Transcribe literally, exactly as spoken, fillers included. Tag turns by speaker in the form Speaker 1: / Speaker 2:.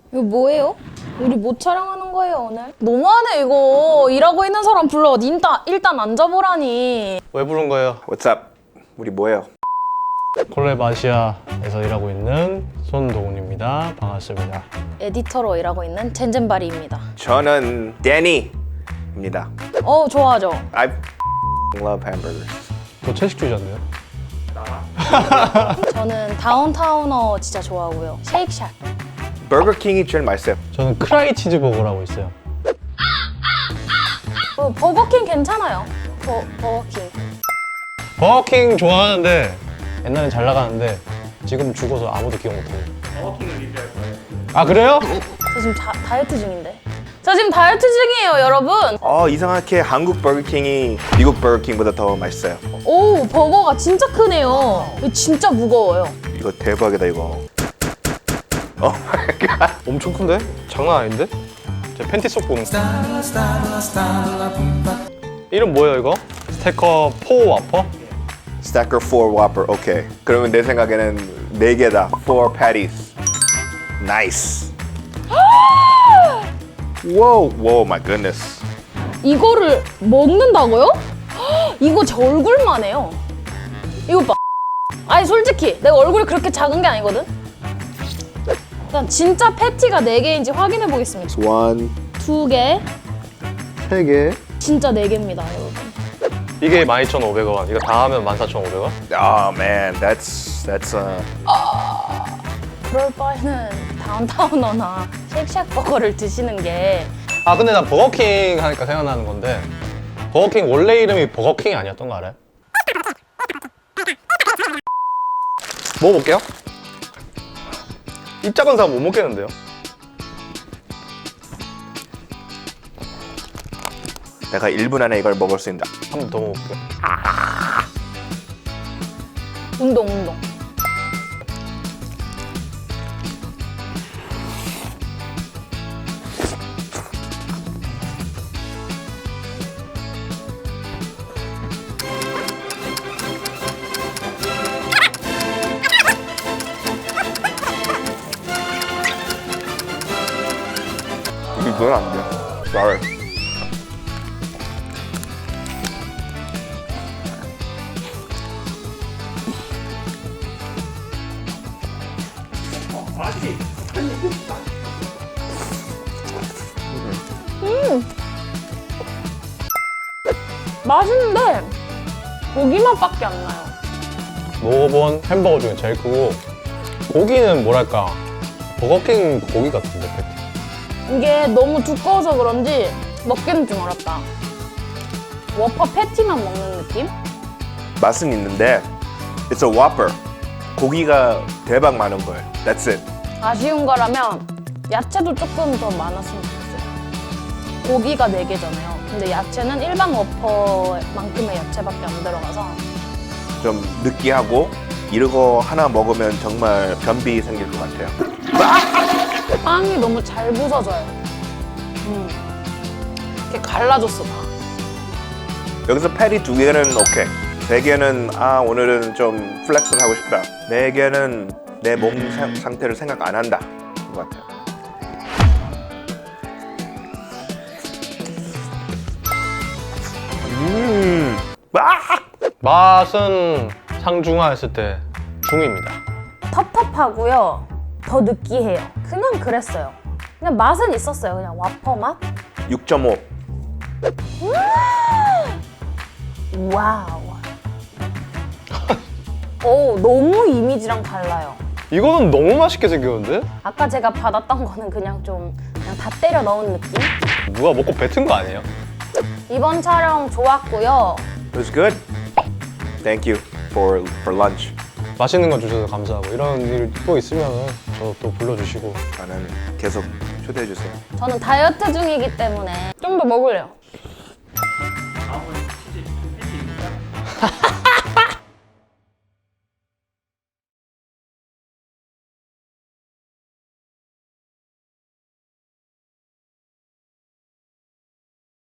Speaker 1: 이거 뭐예요? 우리 뭐 촬영하는 거예요 오늘? 너무하네 이거. 일하고 있는 사람 불러. 일단, 일단 앉아보라니.
Speaker 2: 왜 부른 거예요?
Speaker 3: What's up? 우리 뭐예요?
Speaker 2: 콜랩 아시아에서 일하고 있는 손동훈입니다. 반갑습니다.
Speaker 1: 에디터로 일하고 있는 젠젠바리입니다.
Speaker 3: 저는 데니입니다.
Speaker 1: 어 좋아하죠?
Speaker 3: I love hamburgers.
Speaker 2: 저 채식주의자인데요?
Speaker 1: 저는 다운타우너 진짜 좋아하고요. 쉐이크샷.
Speaker 3: 버거킹이 제일 맛있어요.
Speaker 2: 저는 크라이 치즈버거라고 있어요.
Speaker 1: 어, 버거킹 괜찮아요. 버, 버거킹.
Speaker 2: 버거킹 좋아하는데 옛날엔 잘 나가는데 지금 죽어서 아무도 기억 못해요.
Speaker 3: 버거킹을 리뷰할 거예요.
Speaker 2: 아 그래요?
Speaker 1: 저 지금 다, 다이어트 중인데. 저 지금 다이어트 중이에요 여러분.
Speaker 3: 어 이상하게 한국 버거킹이 미국 버거킹보다 더 맛있어요.
Speaker 1: 오 버거가 진짜 크네요. 이거 진짜 무거워요.
Speaker 3: 이거 대박이다 이거. 어 마이 갓.
Speaker 2: 엄청 큰데? 장난 아닌데? 제 팬티 속 보는 거. 이름 뭐예요 이거? 스테커 포 와퍼?
Speaker 3: Stacker four Whopper. 오케이. 그러면 내 생각에는 네 개다. four patties. Nice. Whoa, whoa, my goodness.
Speaker 1: 이거를 먹는다고요? 헉, 이거 제 얼굴만 해요. 이거 봐. 아니 솔직히 내가 얼굴이 그렇게 작은 게 아니거든? 일단 진짜 패티가 네 개인지 확인해 보겠습니다.
Speaker 3: One,
Speaker 1: 두 개,
Speaker 3: 세 개.
Speaker 1: 진짜 네 개입니다 여러분.
Speaker 2: 이게 만 이천오백 원. 이거 다 하면 만 사천오백 원?
Speaker 3: Oh man, that's that's uh.
Speaker 1: 그럴 바에는 다운타우너나 쉑쉑 버거를 드시는 게.
Speaker 2: 아 근데 난 버거킹 하니까 생각나는 건데 버거킹 원래 이름이 버거킹이 아니었던 거 알아요? 먹어볼게요. 입 작은 사람 못 먹겠는데요?
Speaker 3: 내가 일 분 안에 이걸 먹을 수 있다.
Speaker 2: 한 번 더 먹어볼게요.
Speaker 1: 운동 운동.
Speaker 3: 이건 안 돼. Sorry.
Speaker 1: 맛있는데 고기 맛밖에 안 나요.
Speaker 2: 먹어본 햄버거 중에 제일 크고 고기는 뭐랄까 버거킹 고기 같은데 패티.
Speaker 1: 이게 너무 두꺼워서 그런지 먹기는 좀 어렵다. 워퍼 패티만 먹는 느낌?
Speaker 3: 맛은 있는데 it's a Whopper. 고기가 대박 많은 거예요. That's it.
Speaker 1: 아쉬운 거라면 야채도 조금 더 많았으면 좋겠어요. 고기가 네 개잖아요. 근데 야채는 일반 워퍼만큼의 야채밖에 안 들어가서.
Speaker 3: 좀 느끼하고 이러고 하나 먹으면 정말 변비 생길 것 같아요.
Speaker 1: 빵이 너무 잘 부서져요. 음. 이렇게 갈라졌어 다.
Speaker 3: 여기서 패티 두 개는 오케이. 세 개는 아 오늘은 좀 플렉스를 하고 싶다. 네 개는 내 몸 상태를 생각 안 한다. 것 같아요. 음. 아!
Speaker 2: 맛은 상중하했을 때 중입니다.
Speaker 1: 텁텁하고요. 더 느끼해요. 그냥 그랬어요. 그냥 맛은 있었어요. 그냥 와퍼 맛?
Speaker 3: 육 점 오.
Speaker 1: 와우. 오, 너무 이미지랑 달라요.
Speaker 2: 이거는 너무 맛있게 생겼는데?
Speaker 1: 아까 제가 받았던 거는 그냥 좀 그냥 다 때려 넣은 느낌?
Speaker 2: 누가 먹고 뱉은 거 아니에요?
Speaker 1: 이번 촬영 좋았고요.
Speaker 3: It was good. Thank you for for lunch.
Speaker 2: 맛있는 거 주셔서 감사하고 이런 일 또 있으면 저 또 불러주시고
Speaker 3: 저는 계속 초대해 주세요.
Speaker 1: 저는 다이어트 중이기 때문에 좀 더 먹을래요.